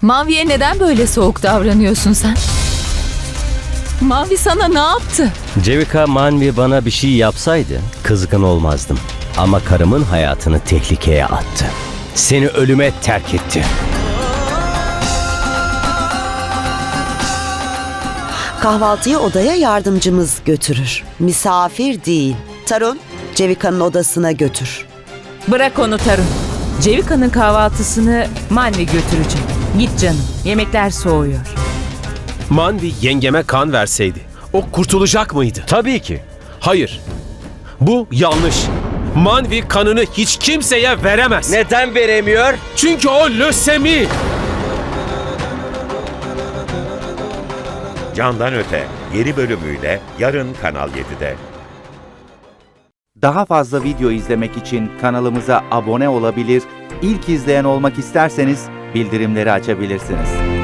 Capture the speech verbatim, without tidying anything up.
Mavi'ye neden böyle soğuk davranıyorsun sen? Mavi sana ne yaptı? Cevika, Manvi bana bir şey yapsaydı kızgın olmazdım. Ama karımın hayatını tehlikeye attı. Seni ölüme terk etti. Kahvaltıyı odaya yardımcımız götürür. Misafir değil. Tarun, Cevika'nın odasına götür. Bırak onu Tarun. Cevika'nın kahvaltısını Manvi götürecek. Git canım, yemekler soğuyor. Manvi yengeme kan verseydi o kurtulacak mıydı? Tabii ki. Hayır. Bu yanlış. Manvi kanını hiç kimseye veremez. Neden veremiyor? Çünkü o lösemi. Candan Öte yeni bölümüyle yarın Kanal yedide. Daha fazla video izlemek için kanalımıza abone olabilir, ilk izleyen olmak isterseniz bildirimleri açabilirsiniz.